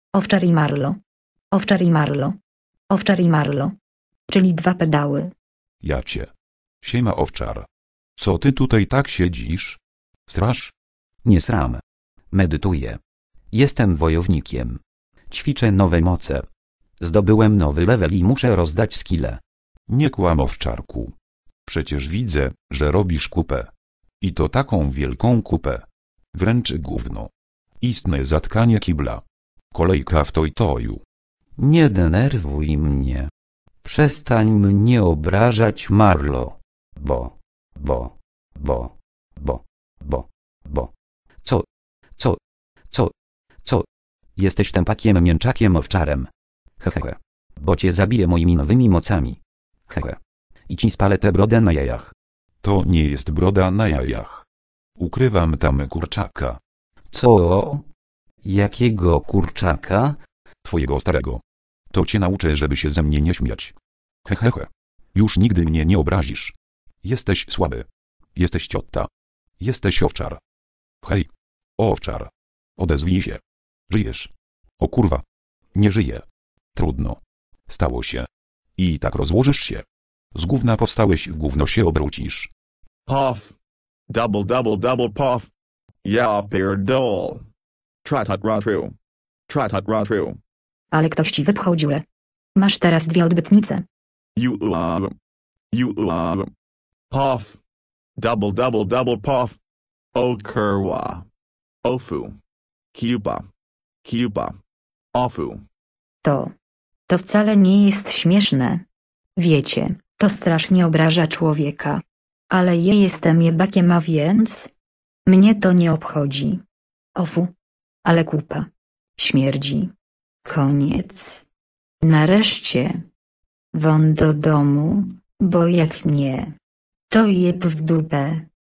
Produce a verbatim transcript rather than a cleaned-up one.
Owczar i Marlo. Owczar i Marlo. Owczar i Marlo. Czyli dwa pedały. Jacie. Siema owczar. Co ty tutaj tak siedzisz? Strasz? Nie sram. Medytuję. Jestem wojownikiem. Ćwiczę nowe moce. Zdobyłem nowy level i muszę rozdać skille. Nie kłam owczarku. Przecież widzę, że robisz kupę. I to taką wielką kupę. Wręcz gówno. Istne zatkanie kibla. Kolejka w toj-toju. Nie denerwuj mnie. Przestań mnie obrażać, Marlo. Bo, bo, bo, bo, bo, bo. Co, co, co, co? Jesteś tępakiem mięczakiem owczarem. Hehehe. Bo cię zabiję moimi nowymi mocami. Hehe. I ci spalę tę brodę na jajach. To nie jest broda na jajach. Ukrywam tam kurczaka. Co? Jakiego kurczaka? Twojego starego. To cię nauczę, żeby się ze mnie nie śmiać. Hehehe. Już nigdy mnie nie obrazisz. Jesteś słaby. Jesteś ciotta. Jesteś owczar. Hej. Owczar. Odezwij się. Żyjesz. O kurwa. Nie żyję. Trudno. Stało się. I tak rozłożysz się. Z gówna powstałeś, w gówno się obrócisz. Puff. Double double double puff. Ja pierdol. Try-tot run through. Try-tot run through. Ale ktoś ci wypchał dziurę. Masz teraz dwie odbytnice. You uh, you uh, puff. Double double double puff. O kurwa. Ofu. Cuba. Cuba. Ofu. To. To wcale nie jest śmieszne. Wiecie, to strasznie obraża człowieka. Ale ja jestem jebakiem, a więc... Mnie to nie obchodzi. Ofu. Ale kupa. Śmierdzi. Koniec. Nareszcie. Won do domu, bo jak nie, to jeb w dupę.